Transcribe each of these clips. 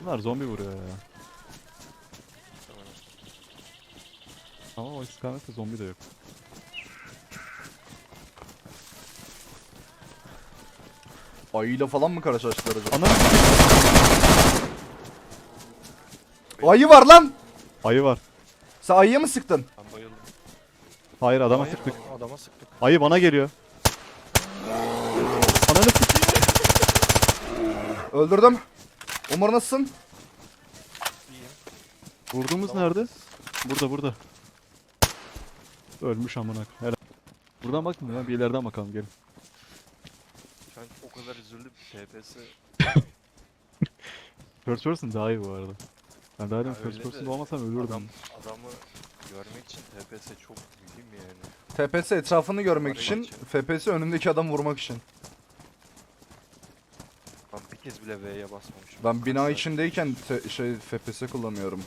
Bunlar zombi vuruyor ya. Ama o istikamette zombi de yok. Ayıyla falan mı karşılaştılar acaba? Anam! Ayı var lan! Ayı var. Sen ayıya mı sıktın? Ben bayıldım. Hayır adama Hayır, sıktık. Adama sıktık. Ayı bana geliyor. Ananı sikeyim. Öldürdüm. Umur nasılsın? İyiyim. Vurduğumuz Tamam. nerede? Burada. Ölmüş amına. Helal. Buradan bakmıyor ya, bir ileriden bakalım gelin. Şu an o kadar üzüldüm. TPS. First person daha iyi bu arada. Ben daha Ya demin first öyle person de olmasam ölürdüm. Adamı görmek için TPS çok mühim yani. TPS etrafını görmek Araya için, geçelim. FPS önündeki adam vurmak için. Ben bir kez bile V'ye basmamışım. Ben bina Kaç içindeyken FPS kullanıyorum.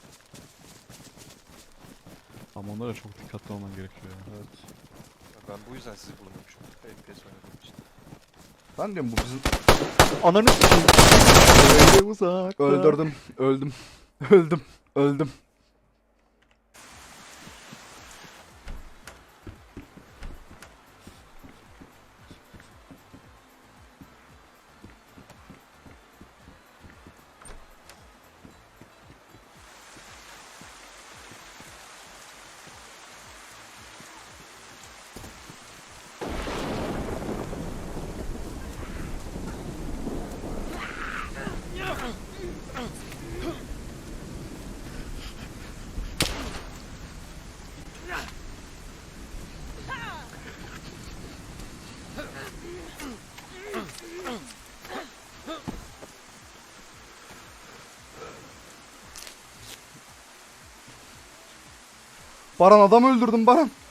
Ama onlara çok dikkatli olman gerekiyor ya. Evet. saat- Ben bu yüzden sizi bulmamışım. FPS oynadığım için. Ben diyorum bu bizim... Ananı sikeyim. Öyle uzakta. Öldürdüm. Öldüm. Öldüm. Öldüm. Baran adam öldürdüm Baran.